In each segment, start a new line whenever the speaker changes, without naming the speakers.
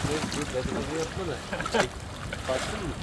Dur dedikodu yapma da. Baktın mı?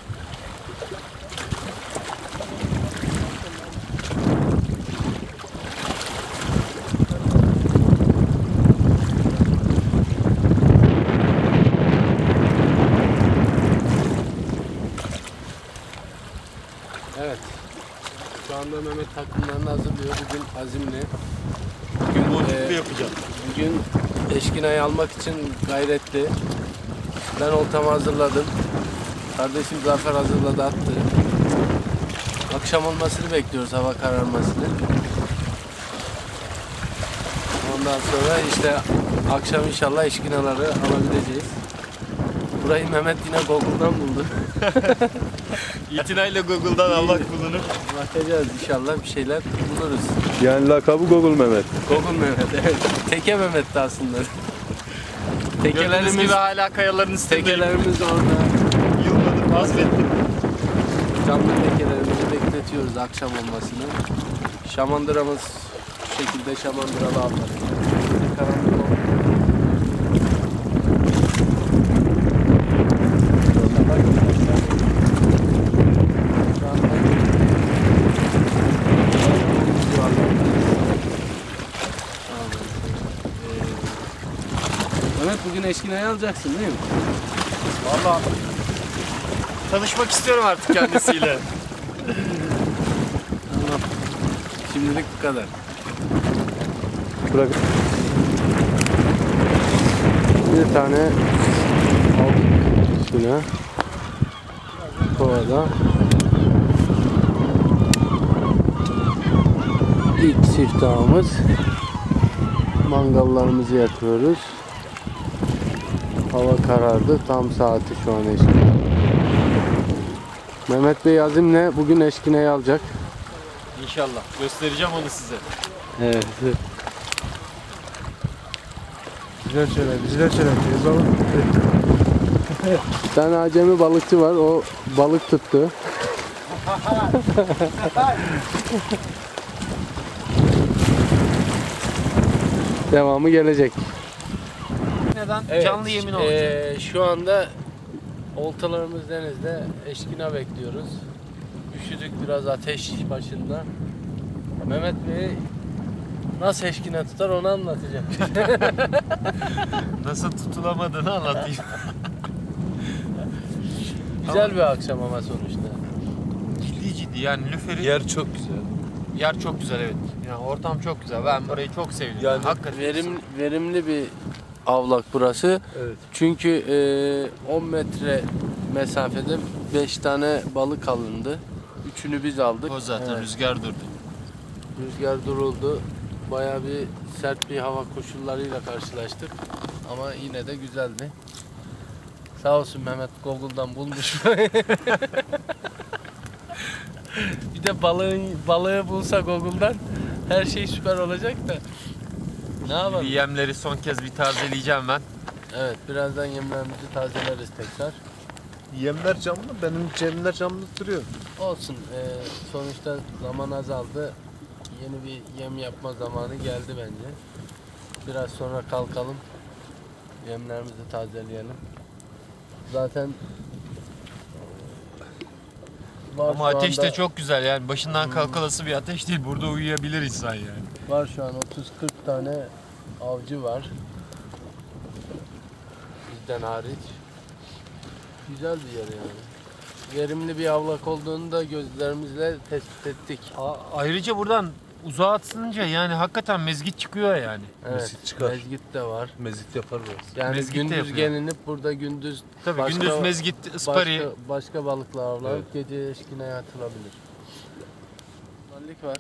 Evet. Şu anda Mehmet takımlarını hazırlıyor. Bugün azimli. Bugün
yapacağım.
Bugün eşkinayı almak için gayretli. Ben oltamı hazırladım. Kardeşim Zafer hazırladı, attı. Akşam olmasını bekliyoruz, hava kararmasını. Ondan sonra işte akşam inşallah eşkinaları alabileceğiz. Burayı Mehmet yine Google'dan buldu.
İtinayla Google'dan almak bulunur.
Bakacağız inşallah, bir şeyler buluruz.
Yani lakabı Google Mehmet.
Google Mehmet, evet. Teke Mehmet'ti aslında.
Gördüğünüz gibi hala kayaların üstündeyim.
Tekelerimiz orada.
Yılmadım, vazgeçtim.
Canlı tekelerimizi bekletiyoruz akşam olmasını. Şamandıramız şu şekilde şamandıralı aldık. Karanlık oldu. Mehmet bugün eşkinayı alacaksın değil mi?
Vallahi tanışmak istiyorum artık kendisiyle.
Tamam. Şimdilik bu kadar.
Bırak. Bir tane aldık şuna. Kovada. İlk siftahımız. Mangallarımızı yakıyoruz. Hava karardı. Tam saati şu an eşkine. Mehmet Bey azimle bugün eşkineyi alacak.
İnşallah. Göstereceğim onu size.
Evet.
Güzel şeyler yazalım.
Bir tane acemi balıkçı var. O balık tuttu. Devamı gelecek.
Neden?
Evet,
Canlı yemin olacak.
Şu anda oltalarımız denizde, eşkina bekliyoruz. Üşüdük biraz ateş başında. Mehmet Bey nasıl eşkina tutar onu anlatacak.
Nasıl tutulamadığını anlatayım.
Güzel bir akşam ama sonuçta.
Ciddi yani lüferi.
Yer çok güzel.
Yer çok güzel, evet. Yani ortam çok güzel. Ben burayı çok sevdim.
Yani
hakikaten
Verimli bir avlak burası.
Evet.
Çünkü 10 metre mesafede 5 tane balık alındı. Üçünü biz aldık.
o zaten
Evet.
rüzgar durdu.
Rüzgar duruldu. Bayağı bir sert bir hava koşullarıyla karşılaştık. Ama yine de güzeldi. Sağ olsun Mehmet Google'dan bulmuş. Bir de balığı bulsa Google'dan her şey süper olacak da. Ne yapalım?
Yemleri son kez bir tazeleyeceğim ben.
Evet, birazdan yemlerimizi tazeleriz tekrar.
Yemler canlı, benim cemler canlı duruyor.
Olsun. Sonuçta zaman azaldı. Yeni bir yem yapma zamanı geldi bence. Biraz sonra kalkalım. Yemlerimizi tazeleyelim. Zaten var
Ama
şu
ateş
anda,
de çok güzel yani. Başından kalkalası bir ateş değil. Burada uyuyabilir insan yani.
var şu an 30-40 tane avcı var. Bizden hariç. Güzel bir yer yani. Verimli bir avlak olduğunu da gözlerimizle tespit ettik.
Ayrıca buradan uzağa atılınca yani hakikaten mezgit çıkıyor yani.
Evet,
Mezgit çıkar.
mezgit de var.
Mezit yapar biraz.
Yani
Mezgit de
gündüz
yapıyor.
gelinip burada gündüz
Tabii gündüz mezgit, ıspari.
başka balıklar avlanıp gece eşkineye atılabilir. Mallik var.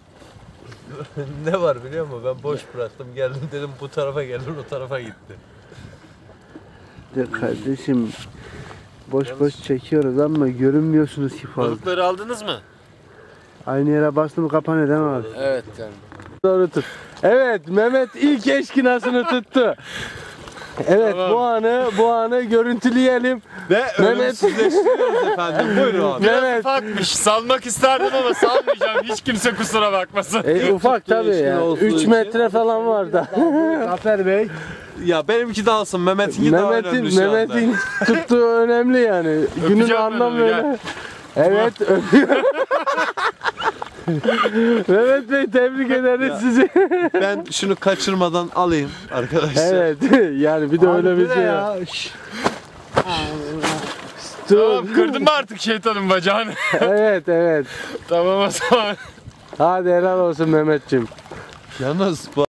Ne var biliyor musun? Ben boş bıraktım, geldim dedim bu tarafa gelir, o tarafa gitti.
De kardeşim boş çekiyoruz ama görünmüyorsunuz ki fazla.
Balıkları aldınız mı?
Aynı yere bastım kapan edem abi.
Evet canım.
Doğru tut. Evet Mehmet ilk eşkinasını tuttu. Evet
Tamam.
bu anı görüntüleyelim.
Ve
Mehmet.
ölümsüzleştiriyoruz efendim. Buyurun abi.
Biraz
Evet.
ufakmış. Salmak isterdim ama salmayacağım. Hiç kimse kusura bakmasın.
Ufak tabii
eşkin
ya.
olduğu
3
için.
metre falan var da.
Zafer Bey.
Ya benimki de alsın. Mehmet'inki daha önemli şu anda.
Mehmet'in tuttuğu önemli yani. Günün
Öpeceğim ben
anlam
onu,
böyle.
gel.
Evet öpüyor. Mehmet Bey tebrik ederiz
Ya.
sizi.
Ben şunu kaçırmadan alayım arkadaşlar.
Evet yani bir de öyle bir şey.
Tamam, kırdın mı artık şeytanın bacağını?
Evet.
Tamam o zaman.
Hadi helal olsun Mehmetciğim.
Yalnız bu